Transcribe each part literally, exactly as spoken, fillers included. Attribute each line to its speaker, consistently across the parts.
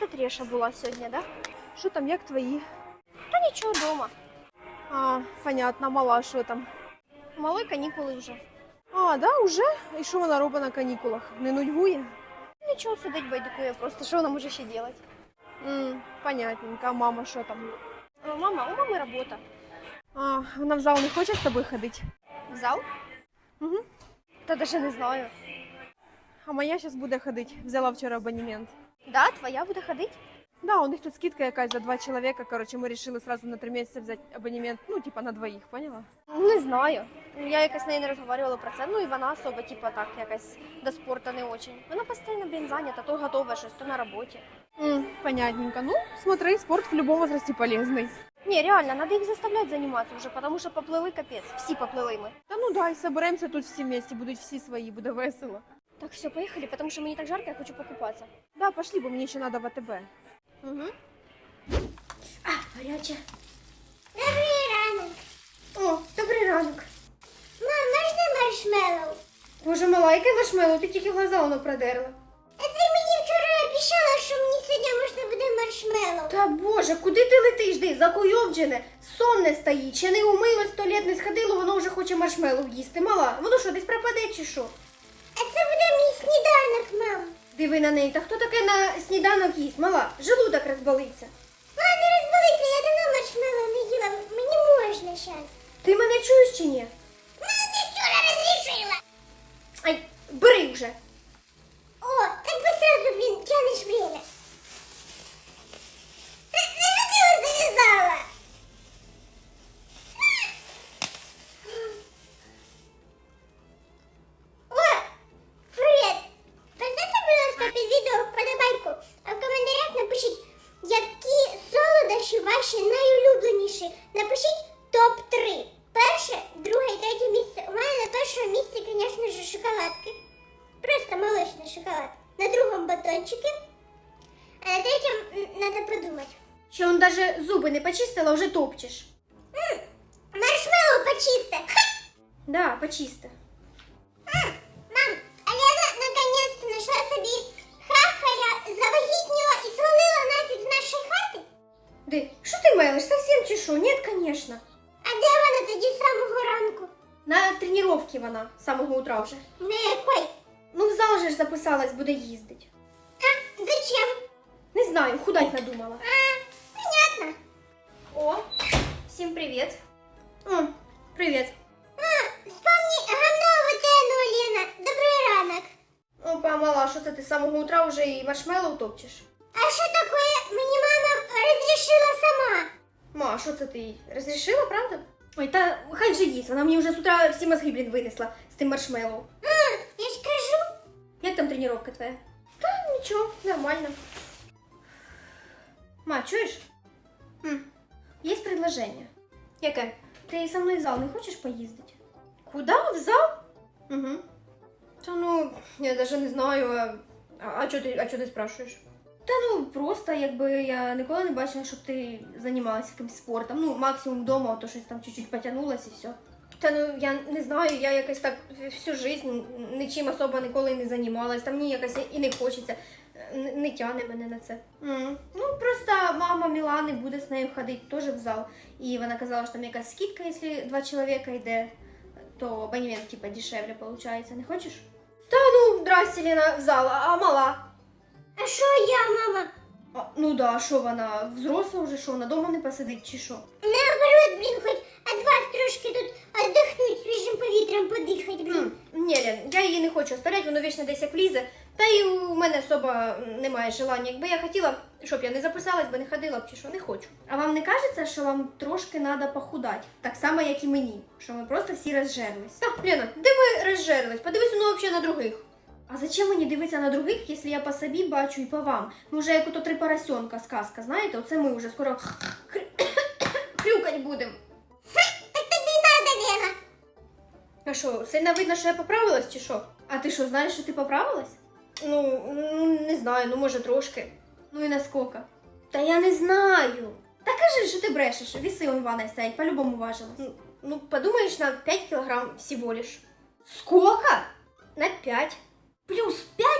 Speaker 1: тут Реша була сьогодні, да?
Speaker 2: Що там, як твої?
Speaker 1: Та нічого, дома.
Speaker 2: А, понятно, мала, що там?
Speaker 1: Малої канікули вже.
Speaker 2: А, да, уже? І що вона робить на канікулах? Не нудьгує?
Speaker 1: Нічого, сидить, байдикує просто. Що вона може ще робити?
Speaker 2: М, понятненько. А мама що там?
Speaker 1: О, мама, у мами робота.
Speaker 2: А, вона в зал не хоче з тобою ходити?
Speaker 1: В зал?
Speaker 2: Угу.
Speaker 1: Та даже не знаю.
Speaker 2: А моя зараз буде ходити. Взяла вчора абонемент.
Speaker 1: Да, твоя буде ходити?
Speaker 2: Да, у них тут скидка якась за два чоловіка. Короче, ми вирішили сразу на три місяці взяти абонемент. Ну, типа на двоїх, поняла?
Speaker 1: Не знаю. Я якось з нею не розмовляла про це. Ну і вона особо, типа так, якось до спорту не очень. Вона постійно, блін, зайнята, то готова щось, то на роботі.
Speaker 2: М, понятненько. Ну, смотри, спорт в любом возрасте полезный.
Speaker 1: Не, реально, надо їх заставляти займатися вже, тому що поплили капець. Всі поплили ми.
Speaker 2: Та ну да, і соберемося тут всі вместе, будуть всі свої, буде весело.
Speaker 1: Так, все, поїхали, тому що мені так жарко, я хочу покупатися.
Speaker 2: Да, пошли, бо мені ще надо в АТБ.
Speaker 1: Угу. А, гаряче.
Speaker 3: Добрий ранок.
Speaker 1: О, добрий ранок.
Speaker 3: Мам, можна маршмеллоу?
Speaker 1: Боже, мала, яке маршмеллоу? Ти тільки глаза воно продерла.
Speaker 3: А ти мені вчора обіцяла, що мені сьогодні можна буде маршмеллоу.
Speaker 1: Та боже, куди ти летиш, ти? Закуйовджене, сон не стоїть, ще не умилось, в туалет не сходило, воно вже хоче маршмеллоу їсти. Мала, воно що, десь пропаде чи що?
Speaker 3: А це буде мій сніданок, мам.
Speaker 1: Диви на неї, та хто таке на сніданок їсть? Мала, желудок розболиться.
Speaker 3: Мам, не розболиться, я давно маршмеллоу не їла, мені можна зараз.
Speaker 1: Ти мене чуєш чи ні?
Speaker 3: Мам, ти вчора розрішила.
Speaker 1: Ай, бери вже.
Speaker 3: О, так би сразу, блін, тянеш время. На, на що ти його зав'язала? О, привіт. Поставте, будь ласка, під відео вподобайку, а в коментарях напишіть, які солодощі ваші найулюбленіші. Напишіть топ три. Перше, друге і третє місце. У мене на першому місці, звісно ж, шоколадки. Просто молочный шоколад. На другом батончике, а на третьем м, надо подумать.
Speaker 1: Що он даже зуби не почистила, вже топчеш.
Speaker 3: М, маршмеллоу почисти. Ха!
Speaker 1: Да, почисти.
Speaker 3: М, мам, а Лена наконец-то нашла собі хахаря, завагітніла і свалила нафіг з нашої хати.
Speaker 1: Ди, що ти мелиш, совсем чи що? Ні, конечно.
Speaker 3: А де вона тоді з самого ранку?
Speaker 1: На тренировці вона, з самого утра вже.
Speaker 3: На якой?
Speaker 1: Ну, в зал же ж записалась, буде їздить.
Speaker 3: А, зачем?
Speaker 1: Не знаю, худать надумала.
Speaker 3: А, понятно.
Speaker 1: О, всім привіт. О, привіт.
Speaker 3: А, вспомни гамнову тену, Лена. Добрий ранок.
Speaker 1: Опа, мала, що це ти з самого утра вже і маршмеллоу топчеш?
Speaker 3: А що таке? Мені мама розрішила сама.
Speaker 1: Ма, що це ти їй? Розрішила, правда? Ой, та хай вже їсть, вона мені вже з утра всі мозги, блін, винесла з тим маршмеллоу.
Speaker 3: А, я ж кажу.
Speaker 1: Як там тренування твоя? Та нічого, нормально. Ма, чуєш? М, є предложення. Яке? Ти со мною в зал не хочеш поїздити? Куди? В зал? Угу. Та ну, я навіть не знаю, а, а, чого ти, а чого ти спрашуєш? Та ну, просто, якби я ніколи не бачила, щоб ти займалася якимось спортом. Ну, максимум вдома, то щось там чуть-чуть потягнулася і все. Та ну, я не знаю, я якось так всю життя нічим особо ніколи не займалась. Там мені якось і не хочеться, не, не тягне мене на це. Mm. Ну, просто мама Мілани буде з нею ходити теж в зал. І вона казала, що там якась скидка, якщо два чоловіка йде, то абонемент типа дешевле виходить. Не хочеш? Та ну, здрасте, Лена, в зал, а мала?
Speaker 3: А що я, мама?
Speaker 1: А, ну да, що вона, взросла вже, що вона дома не посидить чи що?
Speaker 3: Наоборот, блін, хоч від вас трошки тут віддихнуть, свіжим повітрям подихати, блін.
Speaker 1: Ні, Лен, я її не хочу оставляти, воно вічно десь як лізе. Та й у мене особо немає желання. Якби я хотіла, щоб я не записалась, би не ходила б чи що, не хочу. А вам не кажеться, що вам трошки треба похудати? Так само, як і мені, що ми просто всі розжерлись. Так, Лена, де ми розжерлись? Подивись, ну взагалі на других. А зачем мені дивитися на других, якщо я по собі бачу і по вам? Ми вже як ото три поросенка сказка, знаєте? Оце ми вже скоро хрюкать будемо.
Speaker 3: Так тобі надо, Лена.
Speaker 1: А що, сильно видно, що я поправилась чи що? А ти що, знаєш, що ти поправилась? Ну, ну, не знаю, ну може трошки. Ну і наскільки? Та я не знаю. Та кажи, що ти брешеш, віси он в ванной стоять, по-любому важилась. Ну, ну, подумаєш, на п'ять кілограм всего лиш. Сколько? На п'ять. Плюс п'ять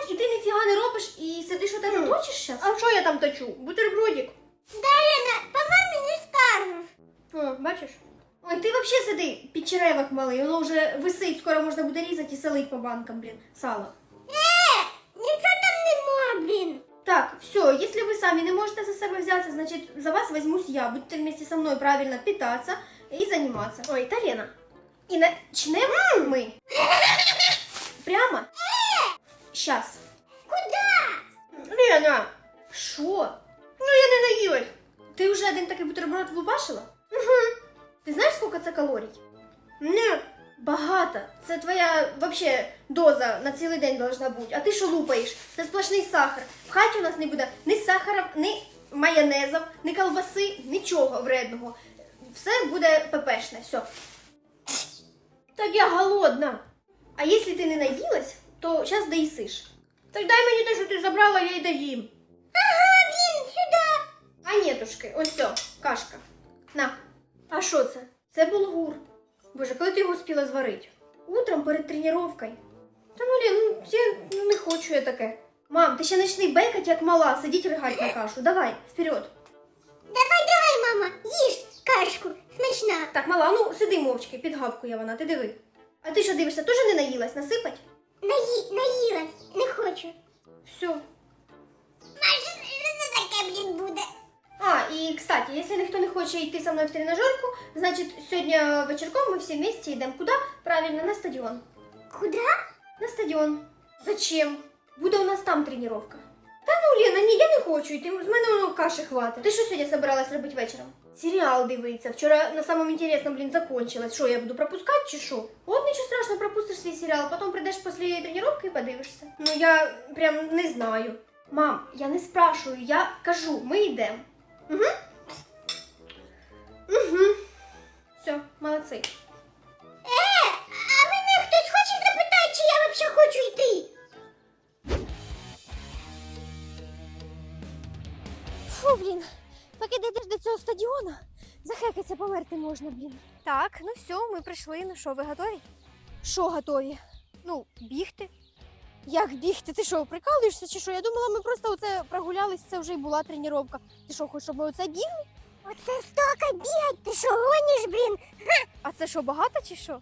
Speaker 1: п'ять, і ти ніфіга не робиш, і сидиш отак
Speaker 2: Хм.
Speaker 1: і точиш зараз?
Speaker 2: А що я там точу? Бутербродик.
Speaker 3: Да, Лена, по мамі не скажеш.
Speaker 2: О, бачиш?
Speaker 1: Ой, ти взагалі сиди під черевок малий, воно вже висить, скоро можна буде різати і солить по банкам, блін, сало.
Speaker 3: Е, нічого там нема, блін.
Speaker 1: Так, все, если вы сами не можете за себя взяться, значит, за вас возьмусь я. Будете вместе со мной правильно питаться и заниматься. Ой, это Лена. И начнем мы прямо сейчас.
Speaker 3: Куда?
Speaker 2: Лена,
Speaker 1: Шо?
Speaker 2: ну я не наїлась.
Speaker 1: Ты уже один такий бутерброд влупашила? Угу. Ти знаєш, сколько це калорій?
Speaker 2: Ні.
Speaker 1: Багато. Це твоя вообще доза на цілий день должна бути. А ти що лупаєш? Це сплошний сахар. В хаті у нас не буде ні сахара, ні майонезів, ні колбаси, нічого вредного. Все буде пепешне, все.
Speaker 2: Так я голодна.
Speaker 1: А якщо ти не наїлась, то зараз доїсиш.
Speaker 2: Так дай мені те, що ти забрала, я й доїм.
Speaker 3: Ага, блін, сюди.
Speaker 1: А нетушки, ось все, кашка. На. А що це? Це булгур. Боже, коли ти його успіла зварити? Утром перед тренувкою. Та ну, Лен, ну я ну, не хочу я таке. Мам, ти ще почни бекати, як мала, сидіть ригать на кашу. Давай, вперед.
Speaker 3: Давай, давай, мама, їж кашку, смачна.
Speaker 1: Так, мала, ну сиди мовчки, підгавкує вона, ти диви. А ти що дивишся, теж не наїлась, насипать?
Speaker 3: Наї, наїлась, не хочу.
Speaker 1: Все.
Speaker 3: Маш, що це таке, блін, буде?
Speaker 1: А, и, кстати, если никто не хочет идти со мной в тренажерку, значит, сегодня вечерком мы все вместе идем куда? Правильно, на стадион.
Speaker 3: Куда?
Speaker 1: На стадион. Зачем? Буде у нас там тренировка. Та ну, Лена, ні, я не хочу йти, з мене воно каші хватить. Ти що сьогодні собиралась робити вечором? Серіал дивиться. Вчора на самом интересном, блін, закончилось. Що, я буду пропускати чи що? От нічого страшного, пропустиш свій серіал, потім прийдеш після тренировки і подивишся. Ну, я прям не знаю. Мам, я не спрашиваю, я кажу, ми йдемо. Угу. Угу. Все, молодці.
Speaker 3: Е, а мене хтось хоче запитати, чи я взагалі хочу йти?
Speaker 1: Фу, блін, поки дійдеш до цього стадіону, захекаться померти можна, блін. Так, ну все, ми прийшли. Ну що, ви готові? Що готові? Ну, бігти. Як бігти? Ти що, прикалуєшся чи що? Я думала, ми просто оце прогулялись, це вже й була тренування. Ти що, хочеш, щоб ми оце бігли?
Speaker 3: Оце стільки бігать, ти що гониш, блін?
Speaker 1: А це що, багато чи що?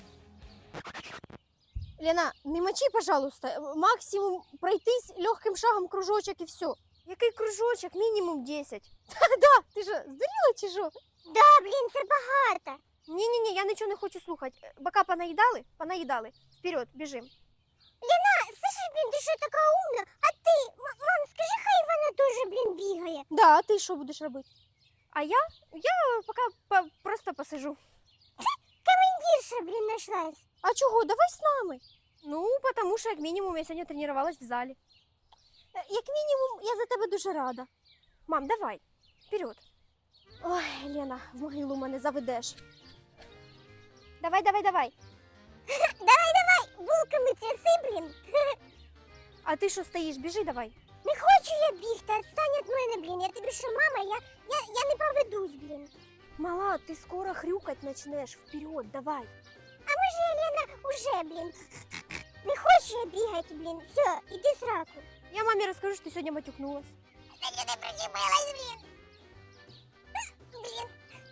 Speaker 1: Лена, не мочи, пожалуйста. Максимум пройтись легким шагом кружочок і все. Який кружочок? Мінімум десять. Да, ти що, здуріла чи що?
Speaker 3: Да, блін, це багато.
Speaker 1: Ні-ні-ні, я нічого не хочу слухати. Бока понаїдали? Понаїдали. Вперед, біжим.
Speaker 3: Ліна, слышиш, блін, ти що така умна? А ти, м- мам, скажи, хай вона теж, блін, бігає.
Speaker 1: Да, а ти що будеш робити? А я? Я поки по- просто посижу.
Speaker 3: Командирша, блін, нашлась.
Speaker 1: А чого? Давай з нами. Ну, тому що, як мінімум, я сьогодні тренувалась в залі. Е, Як мінімум, я за тебе дуже рада. Мам, давай, вперед. Ой, Лена, в могилу мене заведеш. Давай, давай, давай.
Speaker 3: Давай, давай, булками тряси, блін.
Speaker 1: А ти що стоїш? Біжи давай.
Speaker 3: Не хочу я бігти, відстань від мене, блін. Я тобі що, мама, я, я, я не поведусь, блін.
Speaker 1: Мала, ти скоро хрюкать начнеш. Вперед, давай.
Speaker 3: А може я, Лена, уже, блін. Не хочу я бігати, блін. Все, іди сраку.
Speaker 1: Я мамі розкажу, що ти сьогодні матюкнулась.
Speaker 3: Та я не причепилась, блін. Блін.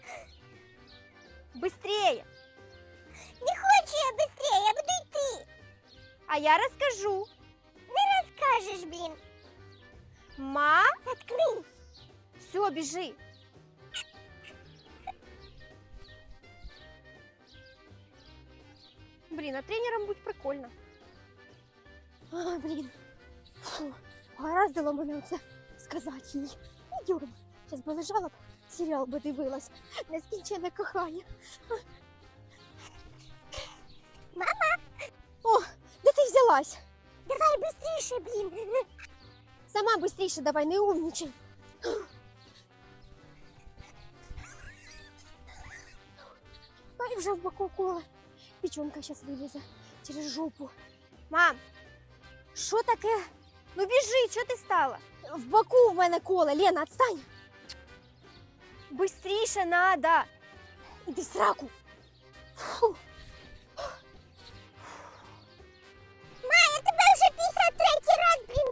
Speaker 1: Быстрее.
Speaker 3: Не хочу я быстрее, я буду йти.
Speaker 1: А я розкажу.
Speaker 3: Не розкажеш, блін.
Speaker 1: Ма,
Speaker 3: Заткнись.
Speaker 1: все, біжи. Блін, а тренером будь прикольно. А, блін. Фу, гораздило мене оце сказати їй. Йдем. Зараз би лежала б, серіал би дивилась. Нескінченне кохання.
Speaker 3: Мама,
Speaker 1: О, де ти взялась?
Speaker 3: давай быстріше, блін.
Speaker 1: Сама быстріше давай, не умнічай. Ай, вже в боку коле. Печенка зараз вилізе через жопу. Мам, що таке? Ну біжи, що ти стала? В боку в мене коле. Лена, отстань. Быстріше надо. Іди в сраку. Фу.
Speaker 3: Ма, я тебе вже п'ятдесят третій раз, блін,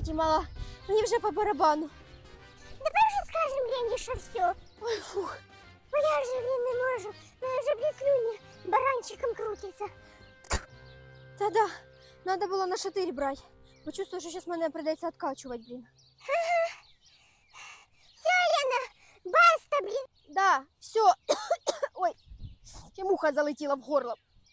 Speaker 1: кстати, мала, мені вже по барабану.
Speaker 3: Давай вже скажемо Лені, що все.
Speaker 1: Ой, фух.
Speaker 3: Бо я вже, блін, не можу. Мене вже, блін, слюні баранчиком крутиться.
Speaker 1: Та-да, надо було на шатирь брати. Бо чувствую, що зараз мене прийдеться відкачувати, блін.
Speaker 3: Все, Лена, баста, блін.
Speaker 1: Да, все. Ой, ще муха залетіла в горло.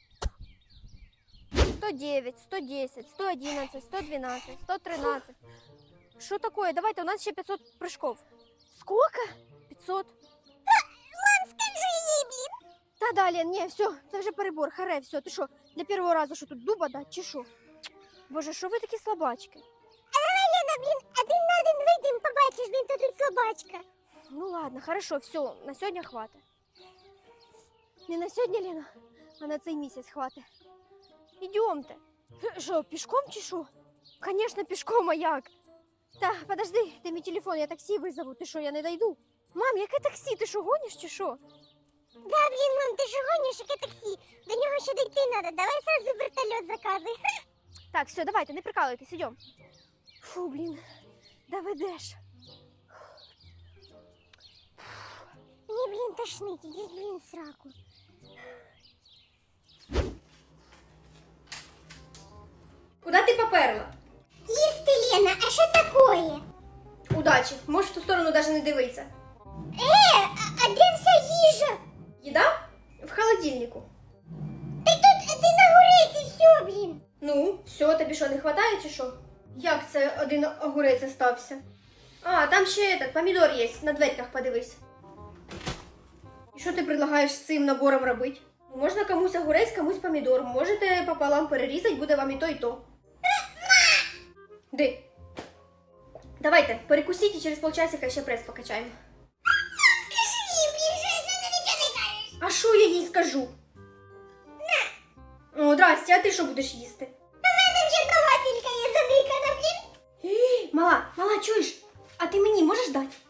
Speaker 1: сто девять, сто десять, сто одиннадцать, сто двенадцать, сто тринадцать. Что такое? Давайте, у нас еще пятьсот прыжков. Сколько? пятьсот.
Speaker 3: Мам, скажи їй, блін.
Speaker 1: Та да, Лен, не, все, це вже перебор, харе, все. Ти що, для першого разу що тут дуба дать, чи що? Боже, що ви такі слабачки?
Speaker 3: А давай, Лена, блін, один на один вийдемо, побачиш, блін, то тут слабачка.
Speaker 1: Ну ладно, хорошо, все, на сьогодні хватить. Не на сьогодні, Лена, а на цей місяць хватить. Ідемте. Що, пішком чи що? Конечно, пішком, а як? Та, подожди, ти мій телефон, я таксі визову, ти що, я не дойду? Мам, яке таксі, ти що, гониш чи що?
Speaker 3: Да, блін, мам, ти ж гониш, яке таксі? До нього ще дійти треба, давай сразу вертольот заказуй.
Speaker 1: Так, все, давайте, не прикалуйтесь, ідем. Фу, блін, доведеш.
Speaker 3: Мені, блін, тошнить, іди, блін, в сраку.
Speaker 1: Куди ти поперла?
Speaker 3: Їсти, Лена, а що такое?
Speaker 1: Удачі, можеш в ту сторону навіть не дивитися.
Speaker 3: Е, а, а де вся їжа?
Speaker 1: Їда? В холодильнику.
Speaker 3: Та тут один огурець і все, блін.
Speaker 1: Ну, все, тобі що, не вистачає чи що? Як це один огурець остався? А, там ще этот, помідор є, на дверках подивись. І що ти предлагаєш з цим набором робити? Можна комусь огурець, комусь помідор. Можете пополам перерізати, буде вам і то, і то. Ди. Давайте, перекусіть і через полчасика ще прес покачаємо.
Speaker 3: Скажи їй, блін, що вона нічого не кажеш.
Speaker 1: А що я їй скажу? На. О, здрасте, а ти що будеш їсти?
Speaker 3: У мене вже та вафелька є задикана, блін.
Speaker 1: Мала, мала, чуєш? А ти мені можеш дати?